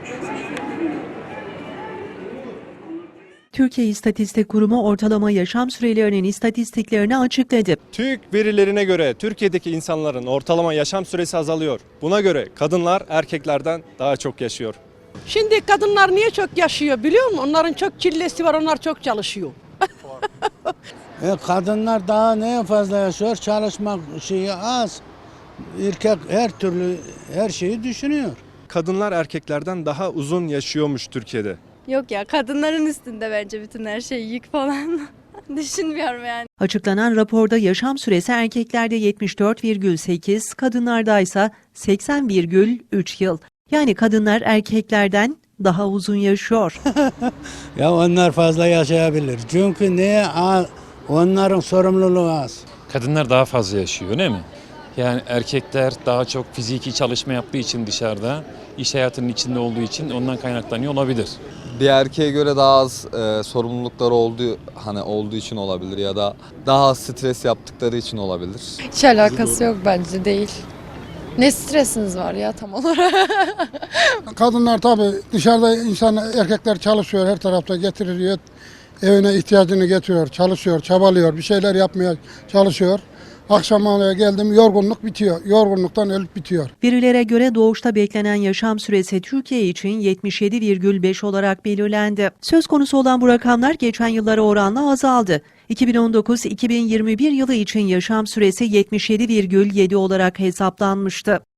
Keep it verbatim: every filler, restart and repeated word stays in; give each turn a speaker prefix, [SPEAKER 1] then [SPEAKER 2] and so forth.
[SPEAKER 1] Türkiye İstatistik Kurumu ortalama yaşam sürelerinin istatistiklerini açıkladı.
[SPEAKER 2] TÜİK verilerine göre Türkiye'deki insanların ortalama yaşam süresi azalıyor. Buna göre kadınlar erkeklerden daha çok yaşıyor.
[SPEAKER 3] Şimdi kadınlar niye çok yaşıyor biliyor musun? Onların çok çillesi var, onlar çok çalışıyor.
[SPEAKER 4] E, kadınlar daha neye fazla yaşıyor? Çalışmak şeyi az. Erkek her türlü her şeyi düşünüyor.
[SPEAKER 2] Kadınlar erkeklerden daha uzun yaşıyormuş Türkiye'de.
[SPEAKER 5] Yok ya, kadınların üstünde bence bütün her şey, yük falan. Düşünmüyorum yani.
[SPEAKER 1] Açıklanan raporda yaşam süresi erkeklerde yetmiş dört virgül sekiz, kadınlarda ise seksen virgül üç yıl. Yani kadınlar erkeklerden daha uzun yaşıyor.
[SPEAKER 4] Ya onlar fazla yaşayabilir. Çünkü neye az? Onların sorumluluğu az.
[SPEAKER 6] Kadınlar daha fazla yaşıyor değil mi? Yani erkekler daha çok fiziki çalışma yaptığı için dışarıda, iş hayatının içinde olduğu için ondan kaynaklanıyor olabilir.
[SPEAKER 7] Bir erkeğe göre daha az e, sorumlulukları olduğu hani olduğu için olabilir ya da daha az stres yaptıkları için olabilir.
[SPEAKER 8] Hiç alakası yok bence, değil. Ne stresiniz var ya tam olarak?
[SPEAKER 9] Kadınlar tabii dışarıda insan erkekler çalışıyor, her tarafta getiriyor. Evine ihtiyacını getiriyor, çalışıyor, çabalıyor, bir şeyler yapmaya çalışıyor. Akşam eve geldim yorgunluk bitiyor. Yorgunluktan ölüp bitiyor.
[SPEAKER 1] Verilere göre doğuşta beklenen yaşam süresi Türkiye için yetmiş yedi virgül beş olarak belirlendi. Söz konusu olan bu rakamlar geçen yıllara oranla azaldı. iki bin on dokuz iki bin yirmi bir yılı için yaşam süresi yetmiş yedi virgül yedi olarak hesaplanmıştı.